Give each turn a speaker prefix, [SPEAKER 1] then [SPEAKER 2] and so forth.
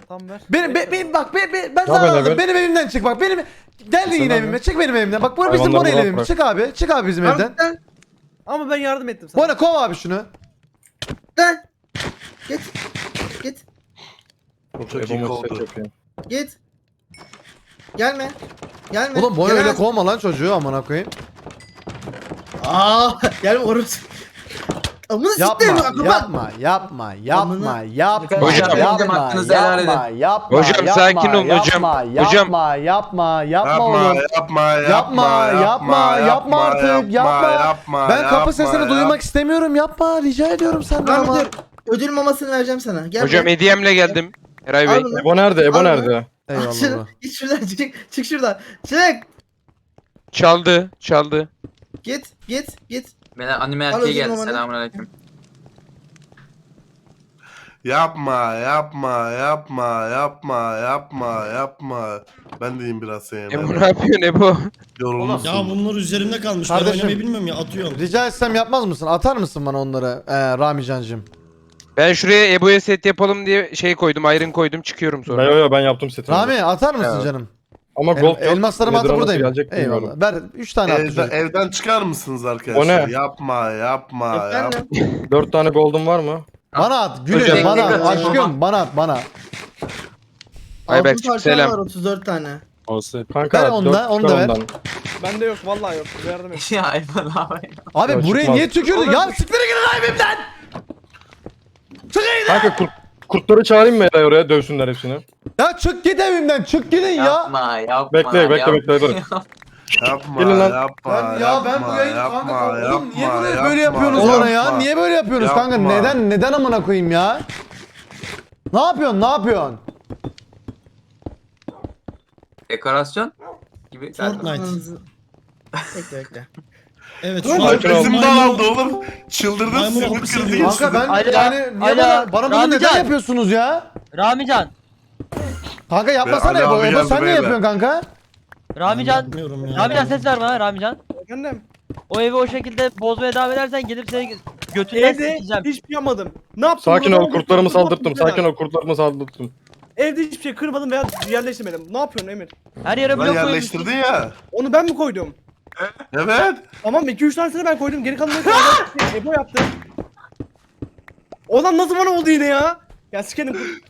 [SPEAKER 1] Tamam ver.
[SPEAKER 2] Ben sana
[SPEAKER 3] böyle
[SPEAKER 2] anladım.
[SPEAKER 3] ver.
[SPEAKER 2] Benim evimden çık bak. Geldin yine
[SPEAKER 3] Sen
[SPEAKER 2] evime. Çık benim evimden. Bak bu bizim
[SPEAKER 3] Hayvanları
[SPEAKER 2] Bora ile
[SPEAKER 3] rahat
[SPEAKER 2] evimiz.
[SPEAKER 3] bırak.
[SPEAKER 2] Çık abi. Çık abi bizim evden.
[SPEAKER 4] Gel.
[SPEAKER 1] Ama ben yardım ettim sana.
[SPEAKER 2] Bora kov abi şunu.
[SPEAKER 4] Gel. Git. Git.
[SPEAKER 3] Çok iyi oldu.
[SPEAKER 4] Git. Gelme. Gelme.
[SPEAKER 2] Oğlum Bora
[SPEAKER 4] Gelemez.
[SPEAKER 2] öyle kovma lan çocuğu amına koyayım.
[SPEAKER 4] Aa, gelme orası. Amına siktir mi?
[SPEAKER 2] Yapma. Yapma.
[SPEAKER 5] Hocam, hakkınızı helal edin.
[SPEAKER 6] Hocam, sakin olun hocam. Hocam.
[SPEAKER 2] Yapma artık. Yapma. Ben kapı sesini duymak istemiyorum. Yapma. Rica ediyorum senden
[SPEAKER 4] Ben
[SPEAKER 2] ama.
[SPEAKER 4] ödül mamasını vereceğim sana. Gel.
[SPEAKER 6] Hocam
[SPEAKER 4] be.
[SPEAKER 6] hediyemle geldim. Eray
[SPEAKER 4] Al
[SPEAKER 6] Bey.
[SPEAKER 4] bunu.
[SPEAKER 3] Ebo nerede? Ebo
[SPEAKER 4] Al
[SPEAKER 3] nerede?
[SPEAKER 4] Al
[SPEAKER 2] Eyvallah.
[SPEAKER 4] şunu.
[SPEAKER 2] baba.
[SPEAKER 4] Git şuradan çık. Çık şuradan. Çık.
[SPEAKER 6] Çaldı.
[SPEAKER 4] Git.
[SPEAKER 5] Beyler anime
[SPEAKER 4] Al
[SPEAKER 5] erkeği
[SPEAKER 4] ödül
[SPEAKER 5] geldi.
[SPEAKER 4] mamanı.
[SPEAKER 5] Selamünaleyküm.
[SPEAKER 7] Yapma. Ben deyim biraz senin.
[SPEAKER 6] Ebo ne yapıyorsun Ebo?
[SPEAKER 7] Yorulmuşsun.
[SPEAKER 8] Ya bunlar üzerimde kalmış.
[SPEAKER 2] Kardeşim.
[SPEAKER 8] Ben oynamayı bilmiyorum ya atıyorum.
[SPEAKER 2] Rica etsem yapmaz mısın? Atar mısın bana onları Rami Cancığım?
[SPEAKER 6] Ben şuraya Ebo'ya set yapalım diye şey koydum. Iron koydum. Çıkıyorum sonra.
[SPEAKER 3] Ben yaptım setini.
[SPEAKER 2] Rami atar mısın
[SPEAKER 3] Evet.
[SPEAKER 2] canım?
[SPEAKER 3] Ama gold yok.
[SPEAKER 2] Elmaslarımı
[SPEAKER 3] Nedir
[SPEAKER 2] atıp
[SPEAKER 3] o, nasıl
[SPEAKER 2] buradayım.
[SPEAKER 3] gelecek bilmiyorum.
[SPEAKER 2] Eyvallah. Ver 3 tane attı çocuk.
[SPEAKER 7] Evden çıkar mısınız arkadaşlar?
[SPEAKER 3] O ne?
[SPEAKER 7] Yapma.
[SPEAKER 4] Efendim.
[SPEAKER 3] 4 tane gold'um var mı?
[SPEAKER 2] Bana at gülüm
[SPEAKER 5] Hocam,
[SPEAKER 2] bana at
[SPEAKER 5] tekrar-
[SPEAKER 2] aşkım bana at bana.
[SPEAKER 6] Ayberk,
[SPEAKER 4] Altın parçam
[SPEAKER 6] selam.
[SPEAKER 4] var 34 tane.
[SPEAKER 3] Olsun. Kanka
[SPEAKER 2] Ver onu da,
[SPEAKER 3] 4
[SPEAKER 2] onu da ver.
[SPEAKER 1] Bende yok vallahi yok. Yardım et.
[SPEAKER 5] Ya Ayman abi.
[SPEAKER 2] Abi
[SPEAKER 3] Ya
[SPEAKER 2] buraya
[SPEAKER 3] çıkmaz.
[SPEAKER 2] niye tükürdün? Ya siktir gidin evimden.
[SPEAKER 3] Kanka kurtları çağırayım mı Eray oraya dövsünler hepsini?
[SPEAKER 2] Ya çık git evimden çık gidin ya.
[SPEAKER 5] Yapma.
[SPEAKER 3] Bekle dur.
[SPEAKER 7] Yapma.
[SPEAKER 3] Gelin lan.
[SPEAKER 2] Ben bu yayını kanka oğlum niye böyle yapıyorsunuz bana ya? Niye böyle yapıyorsunuz kanka?
[SPEAKER 7] Yapma.
[SPEAKER 2] Neden amına koyayım ya? Ne yapıyorsun?
[SPEAKER 5] Dekorasyon gibi.
[SPEAKER 8] Fortnite.
[SPEAKER 4] Bekle.
[SPEAKER 8] Evet şu
[SPEAKER 7] Lan
[SPEAKER 8] an
[SPEAKER 7] bizim
[SPEAKER 8] maymun-
[SPEAKER 7] dağıldı oğlum. Çıldırdın
[SPEAKER 8] Maymun
[SPEAKER 7] sümük
[SPEAKER 8] hapisi
[SPEAKER 7] kırdın.
[SPEAKER 8] yiyorsun.
[SPEAKER 2] Kanka ben
[SPEAKER 9] Alo,
[SPEAKER 2] yani niye
[SPEAKER 9] alo,
[SPEAKER 2] bana bunu neden
[SPEAKER 9] Ramican.
[SPEAKER 2] yapıyorsunuz ya?
[SPEAKER 9] Ramican.
[SPEAKER 2] Kanka yapmasana
[SPEAKER 7] Ali
[SPEAKER 2] Ebo.
[SPEAKER 7] abi
[SPEAKER 2] Ebo
[SPEAKER 7] geldi
[SPEAKER 2] sen ne
[SPEAKER 7] beyler.
[SPEAKER 2] yapıyorsun kanka?
[SPEAKER 9] Ramican.
[SPEAKER 8] Yapmıyorum ya.
[SPEAKER 9] Ramican ses ver bana Ramican.
[SPEAKER 1] Efendim.
[SPEAKER 9] O evi o şekilde bozmaya devam edersen gelip seni götünden
[SPEAKER 1] Evde
[SPEAKER 9] sikeceğim.
[SPEAKER 1] hiçbir şey yapmadım. Ne yaptım?
[SPEAKER 3] Sakin
[SPEAKER 1] Burada
[SPEAKER 3] ol kurtlarımı saldırttım.
[SPEAKER 1] güzel.
[SPEAKER 3] Sakin ol kurtlarımı saldırttım.
[SPEAKER 1] Evde hiçbir şey kırmadım veya yerleştirmedim. Ne yapıyorsun Emir?
[SPEAKER 9] Her yere
[SPEAKER 7] Lan
[SPEAKER 9] blok koymuşsun.
[SPEAKER 7] yerleştirdin ya.
[SPEAKER 1] Onu ben mi koydum?
[SPEAKER 7] Evet.
[SPEAKER 1] Tamam 2-3 tanesini ben koydum. Geri kalanını Ebo yaptı. Olan nasıl bana oldu yine ya? Ya sikerim.